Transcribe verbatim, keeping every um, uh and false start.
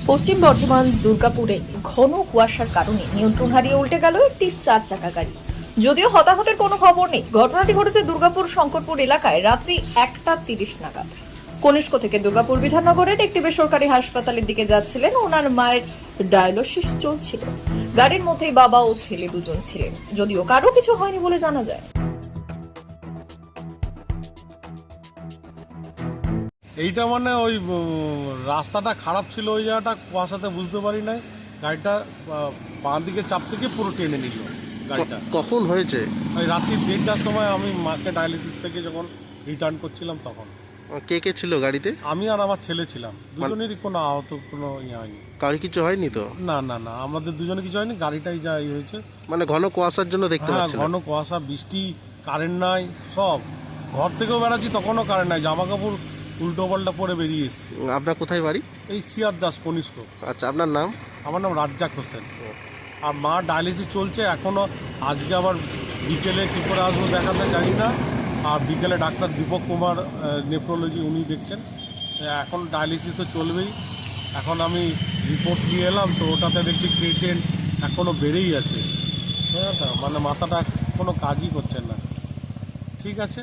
পশ্চিম বর্ধমান দুর্গাপুরে ঘন কুয়াশার কারণে নিয়ন্ত্রণ হারিয়ে উল্টে গেল একটি চার চাকা গাড়ি। যদিও হতাহতের কোনো খবর নেই। ঘটনাটি ঘটেছে দুর্গাপুর শঙ্করপুর এলাকায় রাত্রি একটা তিরিশ নাগাদ। কনিষ্ক থেকে দুর্গাপুর বিধাননগরের একটি বেসরকারি হাসপাতালের দিকে যাচ্ছিলেন। ওনার মায়ের ডায়ালিসিস চলছিল। গাড়ির মধ্যেই বাবা ও ছেলে দুজন ছিলেন। যদিও কারো কিছু হয়নি বলে জানা যায়। এইটা মানে ওই রাস্তাটা খারাপ ছিল, ওই জায়গাটা কুয়াশাতে বুঝতে পারি নাই। গাড়িটা বাঁ দিকে চাপ থেকে পুরো টেনে নিল গাড়িটা। কখন হয়েছে? ওই রাত্রি দেড়টার সময় আমি মাকে ডায়ালিসিস থেকে যখন রিটার্ন করছিলাম তখন। কে কে ছিল গাড়িতে? আমি আর আমার ছেলে ছিলাম, দুজনেরই কোনো আহত কোনো ইয়ে হয়নি। কারো কিছু হয়নি তো? না না না, আমাদের দুজনে কিছু হয়নি, গাড়িটাই যা ইয়ে হয়েছে। মানে ঘন কুয়াশার জন্য দেখতে হ্যাঁ, পাচ্ছি ঘন কুয়াশা, বৃষ্টি, কারেন্ট নাই, সব। ঘর থেকেও বেড়াচ্ছি তখনও কারেন্ট নাই, জামা কাপড় উল্টো পাল্টা পরে বেরিয়ে এসছি। আপনার কোথায় বাড়ি? এই সিয়ার দাস কনিষ্ক। আচ্ছা, আপনার নাম? আমার নাম রাজ্জাক হোসেন। আর মা ডায়ালিসিস চলছে এখনো। আজকে আবার বিকেলে কী করে আসবো দেখাতে জানি না। আর বিকেলে ডাক্তার দীপক কুমার নেফ্রোলজি উনি দেখছেন। এখন ডায়ালিসিস তো চলবেই। এখন আমি রিপোর্ট নিয়ে এলাম, তো ওটাতে দেখছি ক্রিয়েটিন এখনও বেড়েই আছে। হ্যাঁ, মানে মাথাটা কোনো কাজই করছে না। ঠিক আছে।